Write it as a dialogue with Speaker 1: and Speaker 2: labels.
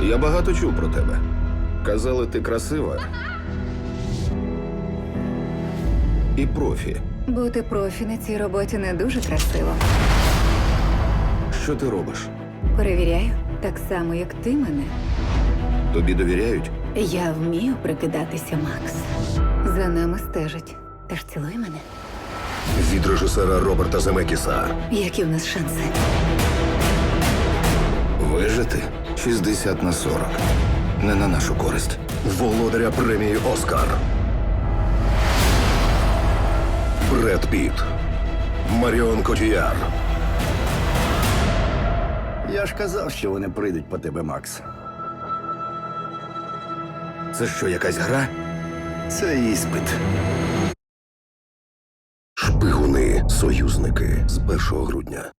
Speaker 1: Я багато чув про тебе. Казали, ти красива. І профі.
Speaker 2: Бути профі на цій роботі не дуже красиво.
Speaker 1: Що ти робиш?
Speaker 2: Перевіряю, так само, як ти мене.
Speaker 1: Тобі довіряють?
Speaker 2: Я вмію прикидатися, Макс. За нами стежать. Тож цілуй мене.
Speaker 3: Від режисера Роберта Земекіса.
Speaker 2: Які в нас шанси?
Speaker 1: Вижити 60/40. Не на нашу користь.
Speaker 3: Володаря премії «Оскар». Бред Піт. Маріон Котіяр.
Speaker 4: Я ж казав, що вони прийдуть по тебе, Макс.
Speaker 1: Це що, якась гра?
Speaker 4: Це іспит.
Speaker 3: Шпигуни. Союзники. З 1 грудня.